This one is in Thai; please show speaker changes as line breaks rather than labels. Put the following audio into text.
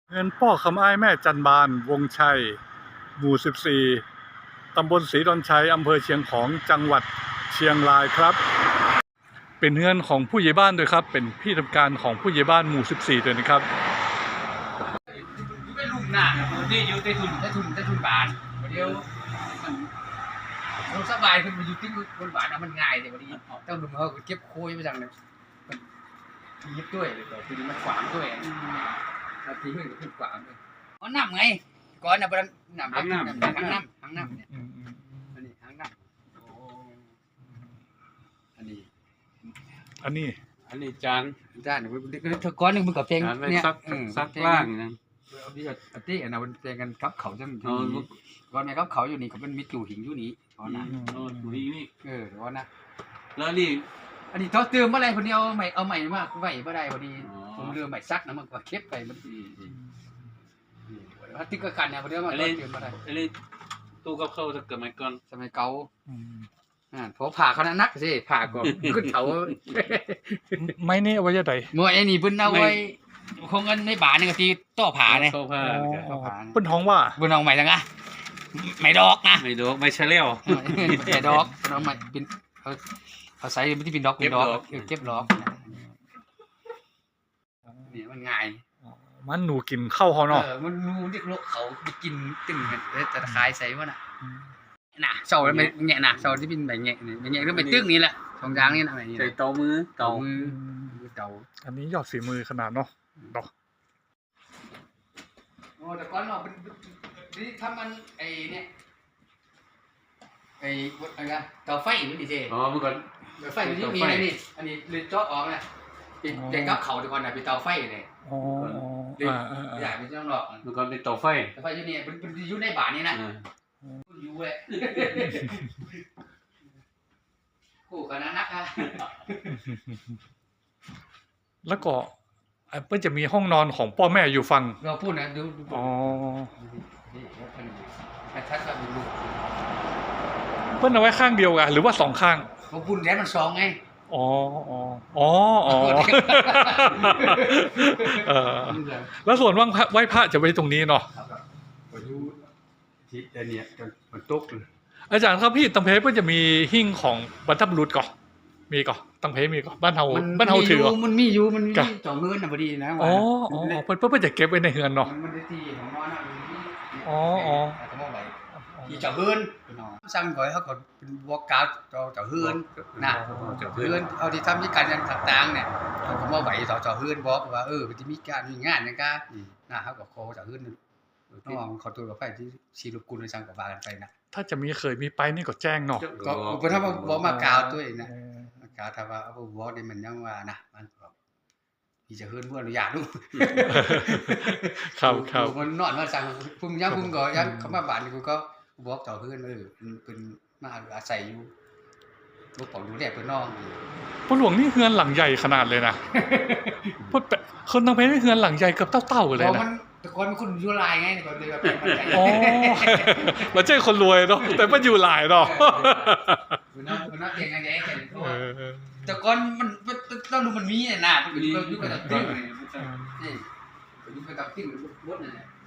เงินพ่อคำอ้ายแม่จันบานวงชัยหมู่14ตำบลศรีดอนชัยอำเภอเชียงของจังหวัดเชียงรายครับเป็นเงินของผู้ใหญ่บ้านด้วยครับเป็นที่ทำการของผู้ใหญ่บ้านหมู่14ด้วยนะครับ
เป็นลูกหน้าที่อยู่ใต้ทุนบานเดี๋ยวมันสบายขึ้นมาอยู่ที่บนบานมันง่ายแต่วันนี้ต้องดูเขาเก็บโค้ยไปจังเลยมันยิบด้วยแต่ทีนี้มันขวางด้วยแล้วทีนี้มันขวางด้วยอ๋อน้ำไงก่อนนะประน้ำหางน้ำเนี่ยอันนี้หางน้ำอันนี้จานก้อนหนึ่งมันกับเพลงเนี่ย
ซักล่างนะ
อันนี้อันนั้นเพลงกันครับเขาจังก่อนไหมครับเขาอยู่นี่เขาเป็นมิจูหิงอยู่นี่ก่อนนะ
อยู่นี่
ก่อนนะ
แล้วนี่
อันนี้เขาเติมอะไรคนนี้เอาใหม่มากไหวไม่ได้พอดีผมเรือใหม่ซักนะมันก็เก็บไปมันติ๊กกันเนี่ยพอดีมันเติมอะไร
อันนี้ตู้กับข้าวจะเกิดไหมก่อน
สมัยเก่าพอผ่าเขานักสิผ่าก่อนขึ้นเขา
ไม่นี่เอาไว้จะไหน
มวยไอ้นี่เพิ่นเอาไว้คงเงินในบาทนี่ก็ที่ต่อผ่าเนี่ย
เพิ่นท้องว่า
เพิ่นเอาใหม่จังอะไม่ดอกนะ
ไม่เชลี่ยว
ไม่ดอกเอาใหม่เป็นเขาใส่ไม่ที่เป็นดอกเก็บดอกนี่มันง่าย
มันหนูกินข้าวเขาเนาะ
มันหนูเด็กโลกเขาไปกินตึ้งแต่ขายใส่ว่าน่ะเสาไม่แงะน่ะเสาที่เป็นแบบแงะนี่แงะก็ไปตึ้งนี่แหละสองอย่างนี่นะ
ใส่เตามือ
อันนี้ยอดฝีมือขนาดเนาะดอก
โอ้แต่ก่อนเราเป็นนี่ถ้ามันไอ้เนี่ยไอ้อะไรกันเตาไฟมันดีเจ
เมื่อก่อน
เตาไฟมันมีอะไรนี่อันนี้เลยเจาะออกนะเป็นกับเขาแต่ก่อนน่ะเป็นเตาไฟเลยอยากเป็นเจ้าหลอก
เมื่อก่อนเป็นเตาไฟ
อยู่นี่เป็นอยู่ในบ้านนี่นะอยู่เลยคู่กันนักฮะ
แล้วก็เพื่อจะมีห้องนอนของพ่อแม่อยู่ฝั่ง
เราพูดนะดู
อ๋อ
ถ้าจะมีลูก
เพื่อนเอาไว้ข้างเดียวกันหรือว่า2ข้าง
เราพูดแค่มัน2ไง
อ๋อแล้วส่วนว่างไหว้พระจะไว้ตรงนี้เนาะ
ทิศเนี่ยจนมันตก
อาจารย์ครับพี่ตังเพเพื่อจะมีหิ้งของบรรพบุรุษก่อนมีก่อนตังเพมีก่อนบ้านเฮาถือ
มันมีอยู่มันมีจ่อเงินน่ะพอดีนะ
อ๋อเพื่อจะเก็บไว้ในเฮือนเนาะ
มันได้ที่ของน้อยนะ
อ๋อ
ที่จ่อเฮือนซ้ำก่อยเขาก็เป็นวอกกาวจ่อเฮือนนะเฮือนเอาที่ทำที่การยังต่างๆเนี่ยเขามาไหวจ่อเฮือนบอกว่ามันจะมีการมีงานอย่างกันนะเขาก็โคจ่อเฮือนน้องเขาตัวกับไฟที่ชีรุกุลในสังกัดกันไปนะ
ถ้าจะเคยมีไปนี่ก็แจ้งเนาะ
ก็ถ้าบอกมากาวตัวเองนะมากาวถ้าว่าเอาบอกนี่มันยังว่านะมันมีจะเฮือนเพื่ออนุญาตดู
ครับ
มันนอนมาสั่งพุ่มยังพุ่มก็ยังเขามาบ้านกูก็บอกต่อเฮือนเป็นมาอาศัยอยู่ลูกของดูแลเพื่อนน้อง
พ่อหลวงนี่เฮือนหลังใหญ่ขนาดเลยนะพ่อคนตังเพนี่เฮือนหลังใหญ่เกือบเต้าเลยนะ
แต่ก่อนมันคนอยู่ลายไงแต่ก่อนเลยแบบเป็นปัจจัย
เราเจ้าคนรวยเนาะแต่มันอยู่ลายเนาะ
มันน่าเก่งไงแต่ก่อนมันต้องดูมันมีเนี่ยนะมันอยู่กับติ้งนี่อยู่กับติ้งรถนั่นแหละ